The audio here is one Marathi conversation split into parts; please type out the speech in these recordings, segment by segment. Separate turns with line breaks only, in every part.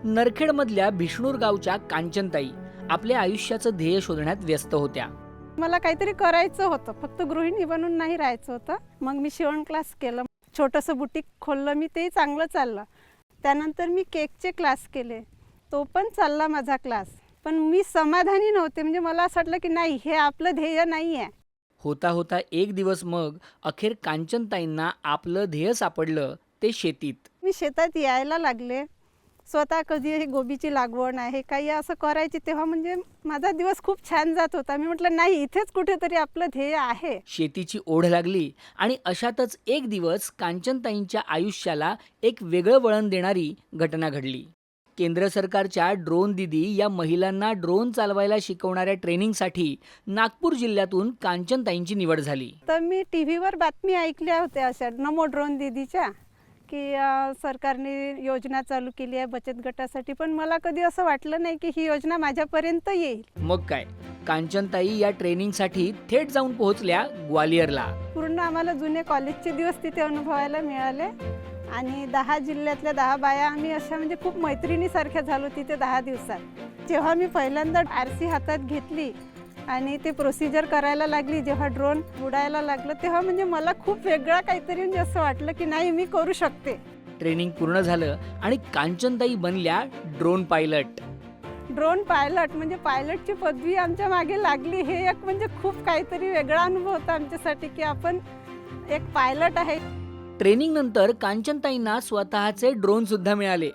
नरखेडमधल्या भिष्णूर गावच्या कांचनताई आपल्या आयुष्याचं ध्येय शोधण्यात व्यस्त होत्या.
मला काहीतरी करायचं होतं, फक्त गृहिणी बनून नाही राहायचं होतं. मग मी शिवण क्लास केलं, छोटंसं बुटीक खोललं मी, तेही चांगलं चाललं. त्यानंतर मी केकचे क्लास केले, तो पण चालला माझा क्लास. पण मी समाधानी नव्हते, म्हणजे मला असं वाटलं की नाही, हे आपलं ध्येय नाही आहे.
होता होता एक दिवस मग अखेर कांचनताईंना आपलं ध्येय सापडलं, ते शेतीत.
मी शेतात यायला लागले, स्वतः कधी हे गोबीची लागवड आहे काही असं करायची, तेव्हा म्हणजे माझा दिवस खूप छान जात होता. मी म्हटलं नाही, इथेच कुठेतरी आपलं ध्येय आहे.
शेतीची ओढ लागली आणि अशातच एक दिवस कांचनताईंच्या आयुष्याला एक वेगळं वळण देणारी घटना घडली. केंद्र सरकारच्या ड्रोन दीदी या महिलांना ड्रोन चालवायला शिकवणाऱ्या ट्रेनिंगसाठी नागपूर जिल्ह्यातून कांचनताईंची निवड झाली.
तर मी टी व्हीवर बातमी ऐकल्या होत्या अशा नमो ड्रोन दीदीच्या, की सरकारने योजना चालू केली आहे बचत गटासाठी. पण मला कधी असं वाटलं नाही की ही योजना माझ्यापर्यंत येईल.
मग काय, कांचनताई या ट्रेनिंगसाठी थेट जाऊन पोहोचल्या ग्वालियरला.
पूर्ण आम्हाला जुने कॉलेजचे दिवस तिथे अनुभवायला मिळाले आणि 10 जिल्ह्यातल्या 10 बाया आम्ही अशा म्हणजे खूप मैत्रिणीसारख्या झालो तिथे 10 दिवसात. जेव्हा मी पहिल्यांदा RC हातात घेतली आणि ते प्रोसिजर करायला लागली, जेव्हा ड्रोन उडायला लागलं, तेव्हा म्हणजे मला खूप वेगळा काहीतरी म्हणजे असं वाटलं की नाही, मी करू शकते.
ट्रेनिंग पूर्ण झालं आणि कांचनताई बनल्या ड्रोन पायलट.
ड्रोन पायलट म्हणजे पायलटची पदवी आमच्या मागे लागली. हे एक म्हणजे खूप काहीतरी वेगळा अनुभव होता आमच्यासाठी की आपण एक पायलट आहे.
ट्रेनिंग नंतर कांचनताईंना स्वतःचे ड्रोन सुद्धा मिळाले.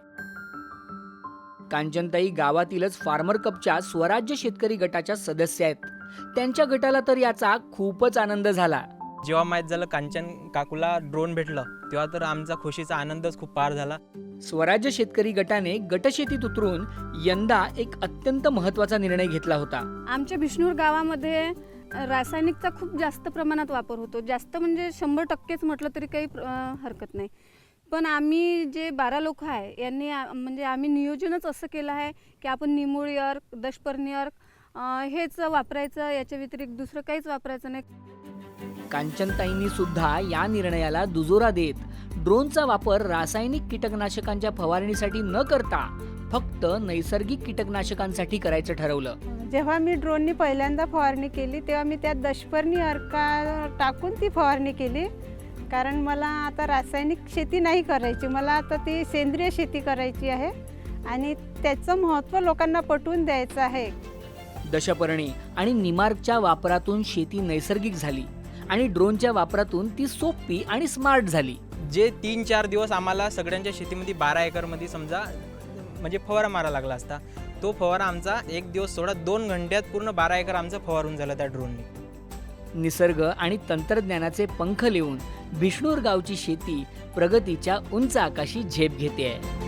कांचनताई गावातीलच फार्मर कपच्या स्वराज्य शेतकरी गटाच्या सदस्य आहेत. त्यांच्या गटाला तर याचा खूपच आनंद झाला.
जेव्हा माहीत झालं कांचन काकूला ड्रोन भेटलं, तेव्हा तर आमचा खुशीचा आनंदच खूप पार झाला.
स्वराज्य शेतकरी गटाने गटशेतीत उतरून यंदा एक अत्यंत महत्त्वाचा निर्णय घेतला होता.
आमच्या भिष्णूर गावामध्ये रासायनिकचा खूप जास्त प्रमाणात वापर होतो. जास्त म्हणजे 100%च म्हटलं तरी काही हरकत नाही. पण आम्ही जे 12 लोक आहे यांनी म्हणजे आम्ही नियोजनच असं केलं आहे की आपण निमोळी अर्क, दशपर्णी अर्क हेच वापरायचं, याच्या व्यतिरिक्त दुसरं काहीच वापरायचं नाही.
कांचनताईंनी सुद्धा या निर्णयाला दुजोरा देत ड्रोनचा वापर रासायनिक कीटकनाशकांच्या फवारणीसाठी न करता फक्त नैसर्गिक कीटकनाशकांसाठी करायचं ठरवलं.
जेव्हा मी ड्रोननी पहिल्यांदा फवारणी केली, तेव्हा मी त्यात दशपर्णी अर्का टाकून ती फवारणी केली. कारण मला आता रासायनिक शेती नाही करायची, मला आता ती सेंद्रिय शेती करायची आहे आणि त्याचं महत्त्व लोकांना पटवून द्यायचं आहे.
दशपर्णी आणि निमार्कच्या वापरातून शेती नैसर्गिक झाली आणि ड्रोनच्या वापरातून ती सोपी आणि स्मार्ट झाली.
जे 3-4 दिवस आम्हाला सगळ्यांच्या शेतीमध्ये 12 एकरमध्ये समजा म्हणजे फवारा मारा लागला असता, तो फवारा आमचा एक दिवस सोडा 2 घंट्यात पूर्ण 12 एकर आमचा फवारून झाला त्या ड्रोनने.
निसर्ग आणि तंत्रज्ञानाचे पंख लिहून भिष्णूर गावची शेती प्रगतीच्या उंच आकाशी झेप घेते आहे.